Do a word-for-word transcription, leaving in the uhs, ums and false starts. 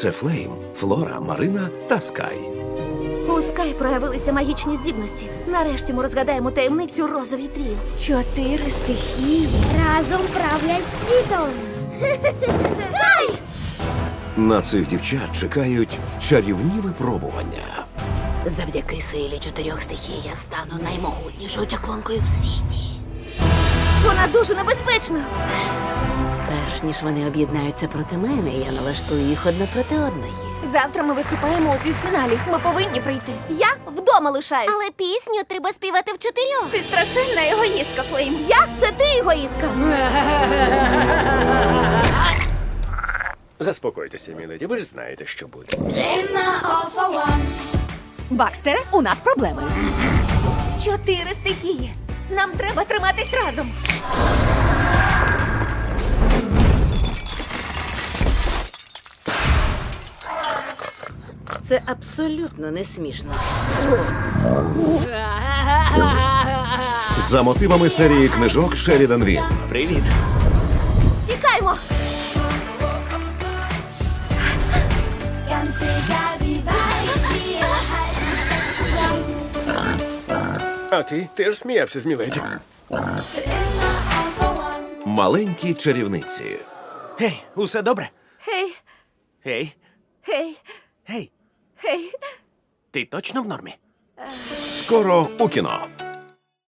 Це Флейм, Флора, Марина та Скай. У Скай проявилися магічні здібності. Нарешті ми розгадаємо таємницю розовій тріо. Чотири стихії. Разом правлять світом. Скай! На цих дівчат чекають чарівні випробування. Завдяки силі чотирьох стихій я стану наймогутнішою чаклункою в світі. Вона дуже небезпечна. Перш ніж вони об'єднаються проти мене, я налаштую їх одне проти одної. Завтра ми виступаємо у півфіналі. Ми повинні прийти. Я вдома лишаюсь. Але пісню треба співати в чотирьох. Ти страшенна егоїстка, Флейм. Я? Це ти егоїстка. Заспокойтеся, міледі, ви ж знаєте, що буде. Бакстере, у нас проблеми. Чотири стихії. Нам треба триматись разом. Це абсолютно не смішно. За мотивами серії книжок Шерідан Він. Привіт. Тікаймо! А ти теж сміявся з міледі. Маленькі чарівниці. Гей, усе добре? Гей, Гей, гей, гей, гей. ти точно в нормі? Скоро у кіно.